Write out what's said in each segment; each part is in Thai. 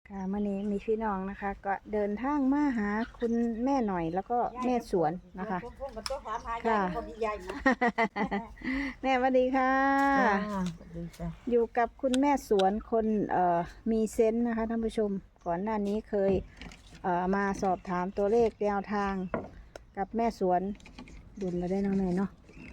ค่ะมื้อนี้มีพี่น้องนะคะ ก็เดินทางมาหาคุณแม่หน่อยแล้วก็แม่สวนนะคะ ค่ะ แม่สวัสดีค่ะจ้าสวัสดีจ้าอยู่กับคุณแม่สวนคนมีเซนส์นะคะท่านผู้ชมก่อนหน้านี้เคยมาสอบถามตัวเลขแนวทางกับแม่สวนดุลแล้วได้เน้องแม่เนาะ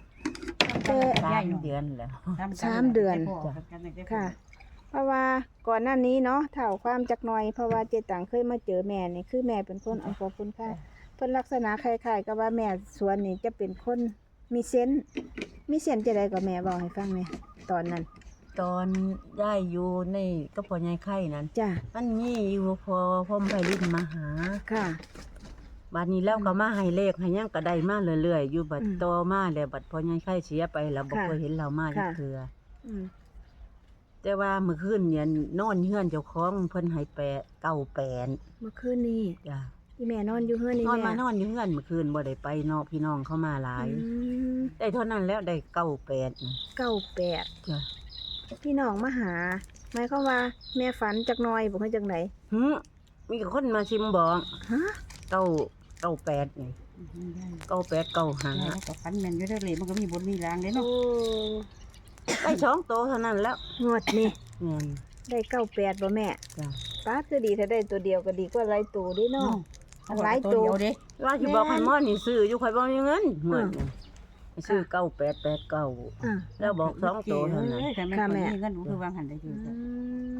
3 เดือนแล้ว 3 เดือนค่ะ เพราะว่าก่อนหน้านี้เนาะเท่าความจักหน่อยเพราะว่าเจตังเคยมาเจอแม่นี่คือแม่เป็นคนขอบคุณค่ะเพิ่นลักษณะคล้ายๆกับว่าแม่สวนนี่จะเป็นคนมีเซนส์จะได้กับแม่บอกให้ฟังแม่ตอนนั้นตอนย้ายอยู่ในก็พ่อใหญ่ไข่นั้นจ้ะมันมีอยู่พอพ่อไผลินมาหาค่ะบัดนี้แล้วก็มาให้เลขให้หยังก็ได้มาเรื่อยๆอยู่บัดอืมต่อมาแล้วบัดพ่อใหญ่ไข่เสียไปแล้วบ่ค่ะเคยเห็นเรามาจักค่ะเทื่ออืมแต่ว่าเมื่อคืนเนี่ยนอนเฮือนเจ้าของเพิ่นให้98 เมื่อคืนนี้จ้ะที่แม่นอนอยู่เฮือนนี่นอนแม่มานอนอยู่เฮือนเมื่อคืนบ่ได้ไปเนาะพี่น้องเข้ามาหลายอืมได้เท่านั้นแล้วได้98นะ 98 จ้ะพี่น้องมาหาหมายความว่าแม่ฝันจักหน่อยบ่คือจังไดหึมีคนมาชิมบอกฮะ 98นี่98 95 กับฟันแมนอยู่ได้เลยมันก็มีบนมีรางเด้โอ้เนาะได้2โตวเท่านั้นแล้วงวดนี่แม่นได้98บ่แม่จ้ะป้าคือดีถ้าได้ตัวเดียวก็ดีกว่าหลายตัวเด้เนาะ หลายตัวเดียวเด้ว่าสิบอกให้หมอนี่ซื้ออยู่ข่อยบ่มีเงินเหมือนกันให้ซื้อ9889 อ่าแล้วบอก2โตวเท่านั้นแต่แม่ค่ะคนแม่นี้เงินหนูคือวางหันได้อยู่ม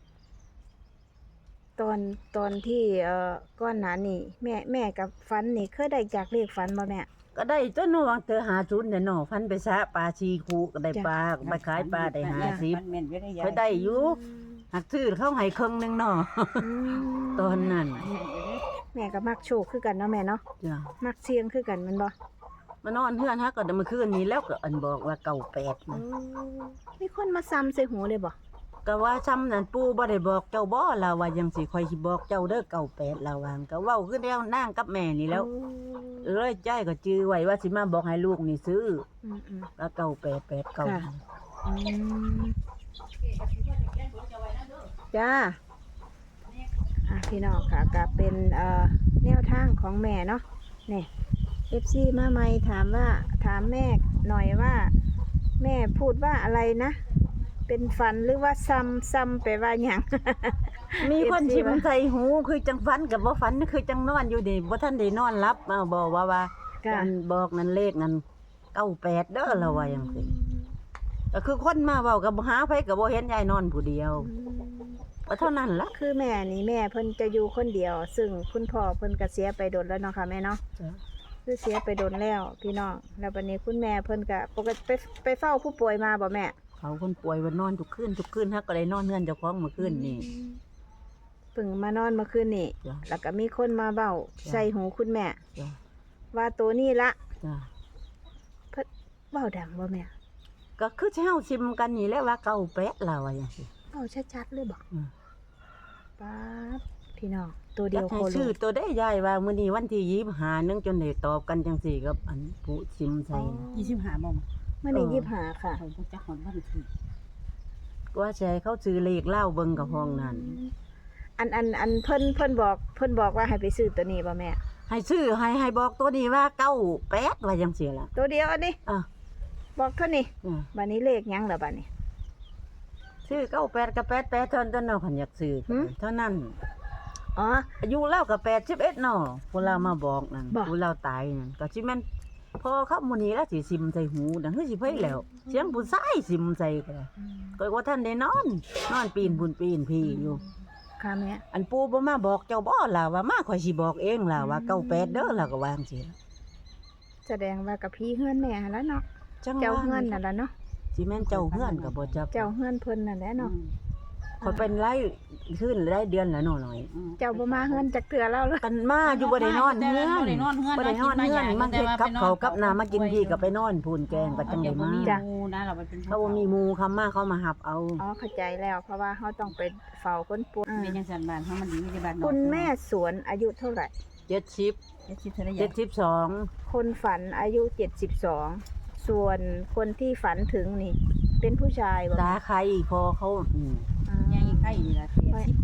ตอนที่ก้อนหนานี่แม่กับฟันนี่เคยได้จากเลขฟันบ่แม่ก็ได้จนนวางเธอ50เนี่ยเนาะฟันไปซะปลาชีคูก็ได้ปลาไปขายปลาได้50 แม่นอยู่ได้ยาเคยได้อยู่หักซื้อเข้าให้ครึ่งหนึงเนาะอืมตอนนั้นแม่ก็มักโชคคือกันเนาะแม่เนาะจ้ะมักเสียงคือกันแมันบ่มานอนเฮือนฮะก็เมื่อคืนนี้แล้วก็อันบอกว่า98 โอ้นะมีคนมาซ้ำใส่หูเลยบ่ก็ว่าซ้ำนั่นปู่บ่ได้บอกเจ้าบ่ล่ะว่าจังสิค่อยสิบอกเจ้าเด้อ98ล่ะว่าก็เว้าคือแล้วนางกับแม่นี่แล้วโอ้เลยใจก็จื้อไว้ว่าสิมาบอกให้ลูกนี่ซื้ออืมแล้ว9889 ค่ะ อืมจ้าพี่น้องค่ะก็เป็นแนวทางของแม่เนาะเนี่ย FC มาใหม่ถามแม่หน่อยว่า แม่พูดว่าอะไรนะ เป็นฝันหรือว่าซ้ำไปว่าหยังมีคน FC ชิมใส่หูคือจังฝันกับบ่ฝันคือจังนอนอยู่นี่บ่ทันได้นอนหลับมาบอกว่าค่ะอันบอกนั่นเลขนั่น98เด้อล่ะว่าจังซี่ก็คือคนมาเว้ากับหาไผก็บ่เห็นยายนอนผู้เดียวก็เท่านั้นล่ะคือแม่นี่แม่เพิ่นจะอยู่คนเดียว ซึ่งคุณพ่อเพิ่นก็เสียไปโดนแล้วเนาะค่ะแม่เนาะ คือเสียไปโดนแล้วพี่น้องแล้ววันนี้คุณแม่เพิ่นก็ปกติไปเฝ้าผู้ป่วยมาบ่แม่เขาคนป่วยว่านอนทุกคืนฮักก็ได้นอนเฮือนเจ้าของเมื่อคืนนี่เพิ่งมานอนเมื่อคืนนี่จ้ะแล้วก็มีคนมาเว้าจ้ะใส่หูคุณแม่จ้ะว่าตัวนี้ละจ้ะเพิ่นเว้าดังบ่แม่ก็คือสิเฮาซิมกันนี่แหละว่า98ล่ะว่าจังซี่เว้าชัดๆเลยบ่อืมป๊าดพี่น้องตัวเดีจัยวกโคให้โลชื่อตัวได้ยายว่ามื้อนี้วันที่25นึงจนได้ตอบกันจังซี่กับอันผู้ซิมใส่นะ 25บ่มมื้อนี้เออ 25ค่ะเขาบ่จักหอนวันที่ว่าสิให้เขาซื้อเลขเล่าเบิ่งกับห้องนั้นอันเพิ่นบอกว่าให้ไปซื้อตัวนี้บ่แม่ให้ซื้อให้บอกตัวนี้ว่า98ว่าจังซี่ล่ะตัวเดียวอันนี้อ่ะบอกเท่านี้อ่ะบัดนี้เลขหยังล่ะบัดนี้ซื้อ98กับ88เท่านั้นเนาะคันอยากซื้อหืมเท่านั้นอ๋ออายุเล่ากับ81เนาะผู้เรามาบอกนั่นบอกผู้เราตายนั่นก็สิแม่นพอเขามื้อนี้แล้วสิซิมใส่หูดังคือสิไผแล้ว เสียงผู้ชายซิมใส่ก็ได้ก็ว่าท่านได้นอนปีนบุญปีนพี่อยู่ค่ะแม่อันปู่บ่มาบอกเจ้าบ่ล่ะว่ามาข่อยสิบอกเองล่ะว่า98เด้อล่ะก็วาจังซี่ล่ะแสดงว่ากับพี่เฮือนแม่หั่นล่ะเนาะจังเจ้าว่าเฮือนนั่นล่ะเนาะสิแม่นเจ้าเฮือนก็บ่จับเจ้าเฮือนเพิ่นนั่นแหละเนาะข่อยเป็นรายขึ้นรายเดือนละหน่อยเจ้าบ่มาเฮือนจักเทื่อแล้วเลยกันมาอยู่บ่ได้นอนเฮือนบ่ได้นอนเฮือนบ่ได้นอนเฮือนมันเฮ็ดกับเขาวกับน้ามากินพี่ก็ไปนอนพูนแกงก็จังได้มาจ้ะนะเราไปเป็นเขาบ่มีหมู่คำมาเขามาหับเอาอ๋อเข้าใจแล้ว เพราะว่าเฮาต้องไปเฝ้าคนป่วยเป็นจังซั่นบ้านเฮามันดีมีแต่บ้านนอกคุณแม่สวนอายุเท่าไหร่ 70 เฮ็ดสิเท่าใด 72 คนฝันอายุ 72 ส่วนคนที่ฝันถึงนี่ เป็นผู้ชายบ่ตาใครพอเขาอ่ายังอีกไข่นี่ล่ะ80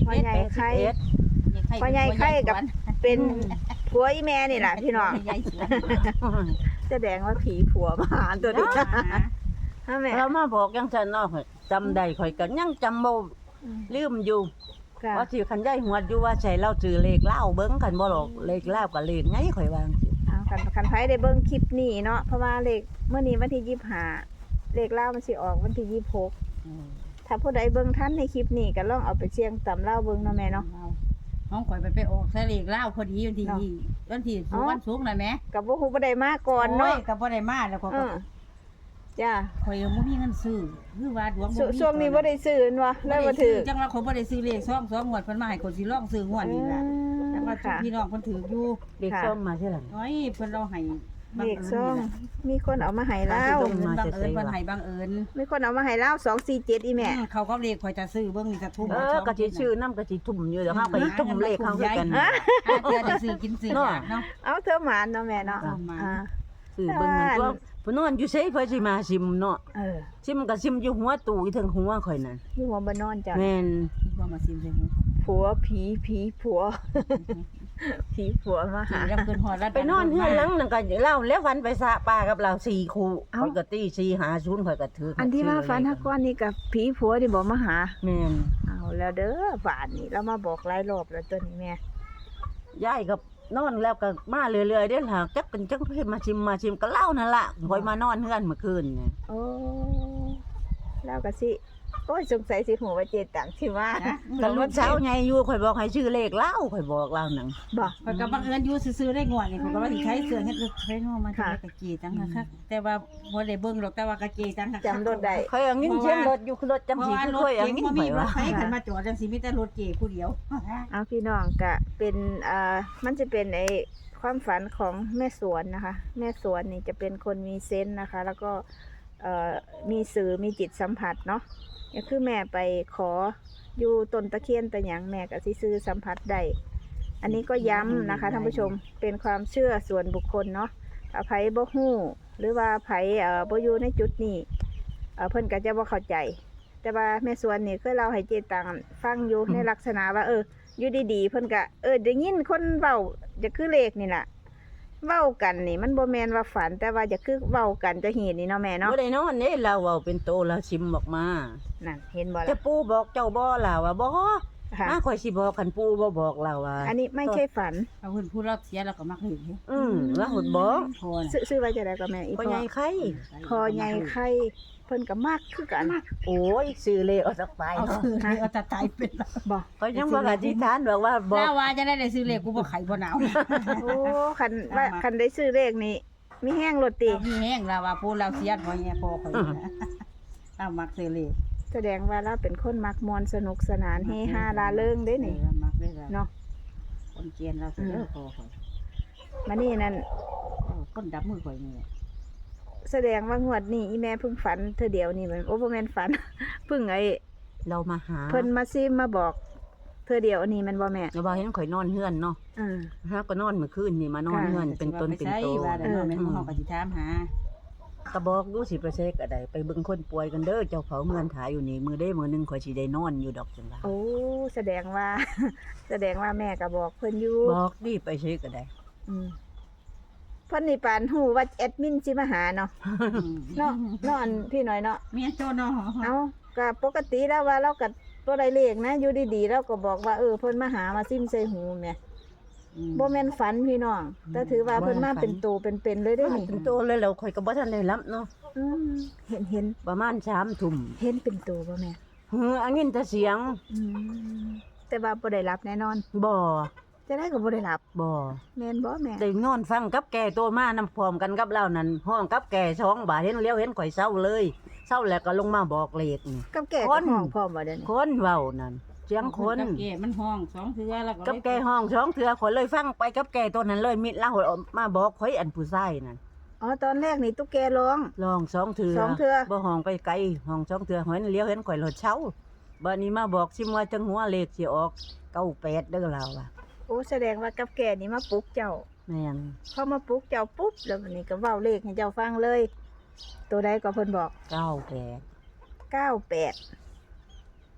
พ่อใหญ่ไข่พ่อใหญ่ไข่กับเป็นผัวอีแม่นี่ล่ะพี่น้องใหญ่สวนแสดงว่าผีผัวมาหาตัวนี้ฮะแม่เรามาบอกจังซั่นเนาะจำได้ข่อยก็ยังจำบ่ลืมอยู่ค่ะว่าสิคันยายหวดอยู่ว่าใช่เราซื้อเลขลาวเบิ่งกันบ่หรอกเลขลาวก็เลขไงข่อยว่าจังซี่เอาคันไผได้เบิ่งคลิปนี้เนาะเพราะว่าเลขเมื่อนี้วันที่25เลขลาวมันสิออกวันที่26ถ้าผู้ใดเบิ่งทันในคลิปนี้ก็ลองเอาไปเสี่ยงตำลาวเบิ่งเนาะแม่เนาะห้องข่อยไปออกทะเลลาวพอดีวันที่วันศุกร์น่ะแม่ก็บ่ฮู้บ่ได้มาก่อนเนาะก็บ่ได้มาแล้วก็จ้าข่อยบ่มีเงินซื้อคือว่าดวงบ่มีช่วงนี้บ่ได้ซื้อเนาะแล้วบ่ถือจังว่าข่อยบ่ได้ซื้อเลข2งวดเพิ่นมาให้ข่อยสิลองซื้องวดนี้ล่ะแต่ว่าค่ะพี่น้องเพิ่นถืออยู่เลขซ่อมมาใช่หลังน้อยเพิ่นเราให้เลขซ่องมีคนเอามาให้แล้บัวงเอิญเพิ่นให้บังเอิญมีคนเอามาให้แล้ว247อีแม่เขาก็เลขข่อยจะซื้อเบิ่งนี่จะทุ่มก็สิชื่อนำก็สิทุ่มอยู่เดี๋ยวเฮาก็สิทุ่มเลขเข้าคือกันเดี๋ยวได้ซื้อกินซื้อเนาะเอาเธอหมานเนาะแม่เนาะเอาหมานซื้อเบิ่งนั่นตัวผู้นอนอยู่ไสเพิ่นสิมาซิมเนาะเออซิมก็ซิมอยู่หัวตู้อีถึงหัวข่อยนั่นอยู่หัวบ่นอนจ้ะแม่นบ่มาซิมใส่หูผัวผีผัว ผีผัวมาสิหารับเกินฮอดแล้วไปนอนเฮือนหลังนั่นก็เล่าแล้วฝันไปสระป่ากับเรา4คู่ข่อยก็ตี450ข่อยก็ถืออันที่ว่าฝันฮักก้อนนี่กับผีผัวนี่บ่มาหาแม่นเอาแล้วเด้อบ้านนี่เรามาบอกหลายรอบแล้วตัวนี้แม่ยายก็นอนแล้วก็มาเรื่อยๆเด้อล่ะจักกันจังเพิ่นมาชิมก็เล่านั่นล่ะข่อยมานอนเฮือนเมื่อคืนนี่โอ้แล้วก็สิโอ้ยสงสัยสิหัวว่าเจตังสิมาก็รุ่นเช้าใหญ่อยู่ข่อยบอกให้ชื่อเลขเล่าข่อยบอกเล่านั่นบ่ข่อยก็บังเอิญอยู่ซื่อๆได้งวดนี่ข่อยก็ว่าสิใช้เสื้อเฮ็ดใช้นอมาจะกะจีจังคักแต่ว่าบ่ได้เบิ่งหรอกแต่ว่ากะจีจังคักจำรถได้ข่อยเอางินเชียงรถอยู่รถจำเพราะสิว่าคือรถข่อยเอาเก๋งงินบ่ไปมีรถว่าไฟคันมาจอดจังสิมีแต่รถเก๋ผู้เดียวเอาพี่น้องก็เป็นมันจะเป็นไอ้ความฝันของแม่สวนนะคะ แม่สวนนี่จะเป็นคนมีเซนส์นะคะ แล้วก็มีสื่อมีจิตสัมผัสเนาะก็คือแม่ไปขออยู่ต้นตะเคียนแต่หยังแม่ก็สิซื้อสัมผัสได้อันนี้ก็ย้ำนะคะท่านผู้ชมเป็นความเชื่อส่วนบุคคลเนาะถ้าไผบ่ฮู้หรือว่าไผบ่อยู่ในจุดนี้เพิ่นก็จะบ่เข้าใจ แต่ว่าแม่สวนนี่เคยเล่าให้เจตังฟังอยู่ในลักษณะว่าอยู่ดีๆเพิ่นก็ได้ยินคนเว้าจะคือเลขนี่ล่ะเว้ากันนี่มันบ่แม่นว่าฝันแต่ว่าจะคือเว้ากันจะเห็นนี่เนาะแม่เนาะบ่ได้นอนเด้เราเอาเป็นโตแล้วชิมออกมานั่นเห็นบ่จะล่ะปู่บอกเจ้าบ่ล่ะว่าบ่ค่ะมาข่อยสิบอกคันปู่บ่บอกเราว่าอันนี้ไม่ใช่ฝันเอาเพิ่นพูดรอบเสียแล้วก็มักเห็นแล้วหดบอกพอน่ะซื้อไว้จะได้ก็แม่อีพ่อพ่อใหญ่ไข่พอใหญ่ไข่เพิ่นก็มักคือกันโอ้ยซื้อเลขเอาสักไปเอาเนาะคือเอาจะตายเป็นแล้วบ่ก็ยังบ่อธิษฐานบอกว่าบอกแล้วว่าจะได้ซื้อเลขกูบ่ไข่บ่หนาวโอ้คันได้ซื้อเลขนี่มีแห้งรถติมีแห้งแล้วว่าพูดเราเสียพอแง่พอข่อยนะเอามักซื้อเลขแสดงว่าเราเป็นคนมักมวนสนุกสนานเฮฮาลาเริงเด้นี่มักได้แล้วเนาะคนเกียนเราเสียพอข่อยมานี่นั่นคนดับมือข่อยนี่แสดงว่างวดนี้อีแม่เพิ่งฝันเธอเดียวนี่มันโอ้บ่แม่นฝัน เพิ่งเรามาหาเพิ่นมาซิมมาบอกเธอเดียวนี่มันบ่แม่เราบอกเห็นข่อยนอนเฮือนเนาะอือฮะก็นอนเมื่อคืนนี่มานอนเฮือนเป็นต้นเป็นโตว่าแต่แม่นเฮาก็สิถามหาก็บอกดูสิไปเช็คอะไรไปเบิ่งคนป่วยกันเด้อเจ้าเขาเมือนถ่ายอยู่นี่มือได้มือนึงข่อยสิได้นอนอยู่ดอกจังว่าโอ้แสดงว่า แสดงว่าแม่ก็บอกเพิ่นอยู่บอกดิไปเช็คก็ได้อืมเพิ่นนี่ปานฮู้ว่าแอดมินสิมาหาเนาะเนาะเนาะอันพี่น้อยเนาะเมียโจเนาะเอาก็ปกติแล้วว่าเราก็ตัวใดเลขนะอยู่ดีๆเราก็บอกว่าเพิ่นมาหามาซิมใส่หูแม่บ่แม่นฝันพี่น้องแต่ถือว่าเพิ่นมาเป็นตัวเป็นๆเลยเด้อนี่เป็นโตเลยแล้วข่อยก็บ่ทันได้รับเนาะอืมเห็นประมาณ3 ทุ่มเห็นเป็นตัวบ่แม่อันนี้แต่เสียงอืมแต่ว่าบ่ได้รับแน่นอนบ่จะได้ก็บ่ได้รับบ่แม่นบ่แม่ได้นอนฟังกับแก่โตมานำพร้อมกันกับเรานั่นห้องกับแก่2บาทเห็นเลี้ยวเห็นข่อยเศร้าเลยเศร้าแล้วก็ลงมาบอกเลขนี่กับแก่คกับนห้องพร้อมบ่เดี๋ยวนี้คนเว้านั่นเสียงคนเก๋มันห้อง2เทื่อแล้วก็กับแก่ห้อง2เทื่อข่อยเลยฟังไปกับแก่ตัวนั้นเลยมิดเล่าออกมาบอกข่อยอันผู้ชายนั่นอ๋อตอนแรกนี่ตุ๊กแกร้องลอง2เทื่อสองเทื่อบ่ห้องไปไกลห้อง2เทื่อเห็นเลี้ยวเห็นข่อยรถเช้าบัดนี้มาบอกสิว่าจังหัวเลขสิออก98เด้อเราว่ะโอ้แสดงว่ากับแก่นี่มาปลุกเจ้าแม่นพอมาปลุกเจ้าปุ๊บแล้ววันนี้ก็เว้าเลขให้เจ้าฟังเลย ตัวใดก็เพิ่นบอก 98 98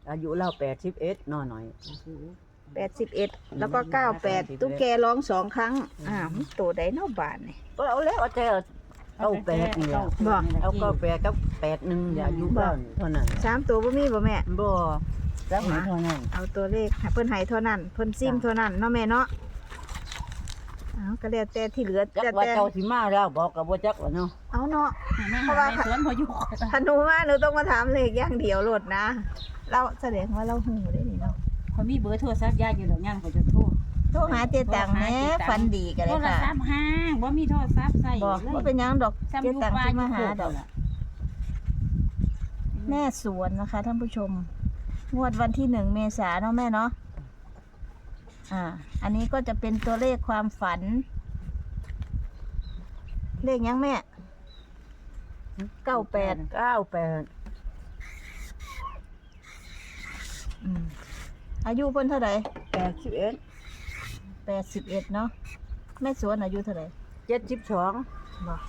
อายุเรา81น้อย 81แล้วก็98ตุ๊กแกร้อง2ครั้งมันโตได้เนาะบาดนี่ก็เอาแล้วเอาแต่98นี่ล่ะบ่เอา98กับ81อย่าอายุเท่านั้น 3ตัวบ่มีบ่แม่บ่จักไหนเท่านั้นเอาตัวเลขเพิ่นให้เท่านั้นเพิ่นซิมเท่านั้นเนาะแม่เนาะก็แล้วแต่ที่เหลือจักแต่ว่าเจ้าสิมาแล้วบอกก็บ่จักว่าเนาะเอาเนาะเพราะว่าสวนพออยู่ถ้าหนูมาหนูต้องมาถามเลขอย่างเดียวโลดนะเราแสดงว่าเราหูได้นี่เนาะเขามีเบอร์โทรศัพท์ยายอยู่ดอกย่างก็จะโทรโทรหาเจตังแหม่ฝันดีกันเลโทยรค่ะศัพท์ห้างบ่มีโทรศัพท์ใส่บอกว่าเป็นหยังดอกเจตังสิมาหาดอกแม่สวนนะคะท่านผู้ชมงวดวันที่1 เมษายนเนาะแม่เนาะอันนี้ก็จะเป็นตัวเลขความฝัน เลขยังแม่98 อายุเพิ่นเท่าไหร่ 81 81เนาะแม่สวนอายุเท่าไหร่ 72 บอก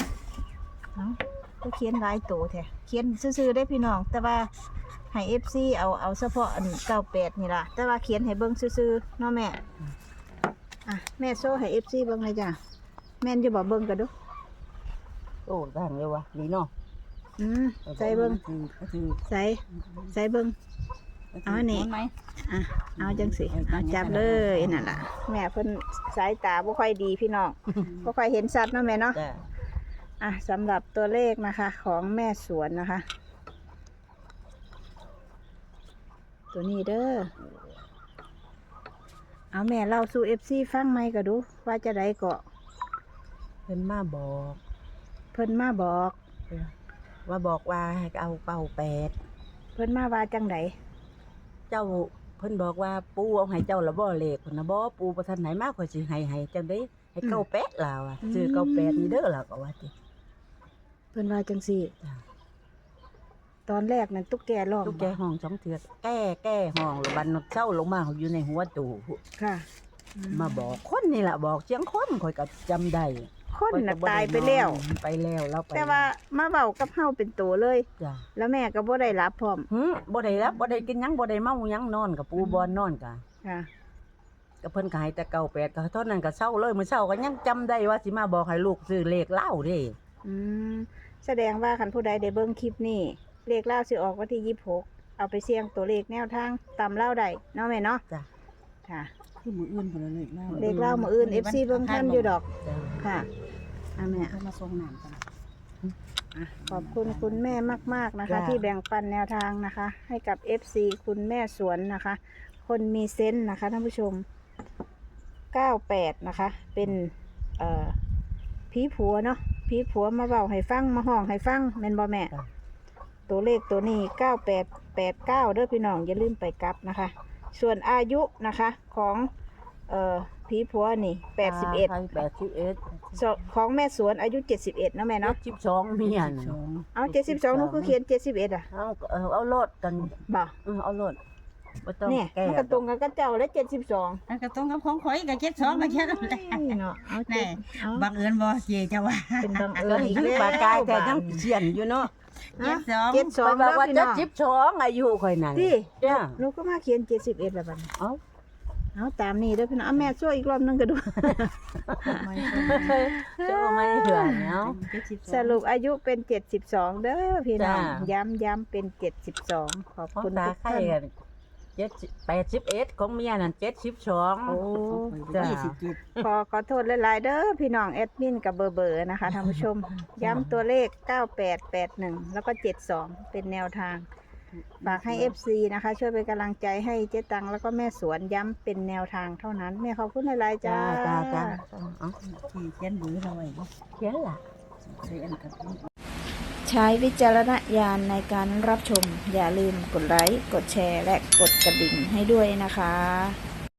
ก็เขียนหลายโตแท้เขียนซื่อๆได้พี่น้องแต่ว่าให้ FC เอาเฉพาะอัน98นี่ล่ะแต่ว่าเขียนให้เบิ่งซื่อๆเนาะแม่แม่โซ่ให้ FC เบิ่งเลยจ้ะแม่นอยู่บ่เบิ่งกันดูโอ้ดังเลยวะนี่เนาะใส่เบิ่งใส่เบิ่ง เอาอันนี้ เอาจังสิเอาจับเลยนั่นล่ะแม่เพิ่นสายตาบ่ค่อยดีพี่น้อง บ่ค่อยเห็นชัดเนาะแม่เนาะจ้ะสำหรับตัวเลขนะคะของแม่สวนนะคะ ตัวนี้เด้อเอาแม่เล่าสู่ FC ฟังไหมก็ดูว่าจะได้เกาะเพิ่นมาบอกเพิ่นมาบอกว่าให้เอาเป่า8 เพิ่นมาว่าจังไดเจ้าเพิ่นบอกว่าปู่เอาให้เจ้าละบ่เลขเพิ่นน่ะบ่ปู่บ่ทันไหนมาข่อยสิให้จังได๋ให้98ล่ะว่ะซื้อ98นี่เด้อล่ะก็ว่าติเพิ่นว่าจังซี่จ้ะตอนแรกนั้นตุ๊กแกร้องตุ๊กแกห้อง2เทื่อแก้ห้องแล้วบัดนเช้าลงมาอยู่ในหัวตู้ค่ะมาบอกคนนี่ล่ะบอกเสียงคนข่อยก็จำได้คนน่ะตายไปแล้วไปแล้วเราไปแต่ว่ามาเว้ากับเฮาเป็นตัวเลยจ้ะแล้วแม่ก็บ่ได้รับพร้อมบ่ได้รับบ่ได้กินหยังบ่ได้เมาหยังนอนกับปูบอนนอนกะค่ะก็เพิ่นก็ให้แต่98ก็เท่านั้นก็เศร้าเลยมื้อเช้าก็ยังจำได้ว่าสิมาบอกให้ลูกซื้อเลขเหล้าเด้แสดงว่าคันผู้ใดได้เบิ่งคลิปนี้เลขเล่าสิออกวันที่26เอาไปเสี่ยงตัวเลขแนวทางตามเล่าได้เนาะแม่เนาะจ้ะค่ะคือมืออื่นพุ่นเลยเลขเล่ามื้ออื่น FC เบิ่งทันอยู่ดอกจ้ะค่ะแม่เขามาส่งน้ำกันขอบคุณคุณแม่มากๆนะคะ ที่แบ่งปันแนวทางนะคะ ให้กับ FC คุณแม่สวนนะคะ คนมีเซนส์นะคะท่านผู้ชม98นะคะเป็นผีผัวเนาะผีผัวมาเว้าให้ฟังมาห้องให้ฟังแม่นบ่แม่จ้ะตัวเลขตัวนี้9889เด้อพี่น้องอย่าลืมไปกลับนะคะ ส่วนอายุนะคะของผีผัวนี่81ของแม่สวนอายุ71เนาะแม่เนาะ 72เมียน่ะเอา72หนูคือเขียน71 เอาโลดกันบ่เอาโลดบ่ต้องเนี่ยแก้มันก็ตรงกันกับเจ้าและ72 อันก็ตรงกับของข่อยก็72ก็แค่นั้นแหละเนาะเอาแน่เอาบังเอิญบ่เจจะว่าเป็นบังเอิก็ญอีกคือแล้วปากกายแต่ยังเขียนอยู่เนาะ 72 ไปบอกว่าพี่น้อง 72อายุข่อยนั่นที่จ้ะหนูก็มาเขียน71แล้วบัดนี้เอ้าเอาตามนี้เด้อพี่น้องเอาแม่ช่วยอีกรอบนึงก็ดูจะเอาไม่เถื่อนเนาะสรุปอายุเป็น72เด้อพี่น้องจ้าย้ำเป็น72ขอบของคุณตาทุกไข่ท่านกัน81ของเมียนั่น72 โอ้จ้ะขอโทษหลายๆเด้อพี่น้องแอดมินกับเบอร์นะคะท่านผู้ชม ย้ำตัวเลข9881แล้วก็72เป็นแนวทางฝากให้ FC นะคะ ช่วยเป็นกำลังใจให้เจ๊ตังแล้วก็แม่สวนย้ำเป็นแนวทางเท่านั้นแม่ขอบคุณหลายๆจ้าจ้าเอาเขียนบือเราไว้เขียนล่ะใส่อันกับใช้วิจารณญาณในการรับชม อย่าลืมกดไลค์ กดแชร์ และกดกระดิ่งให้ด้วยนะคะ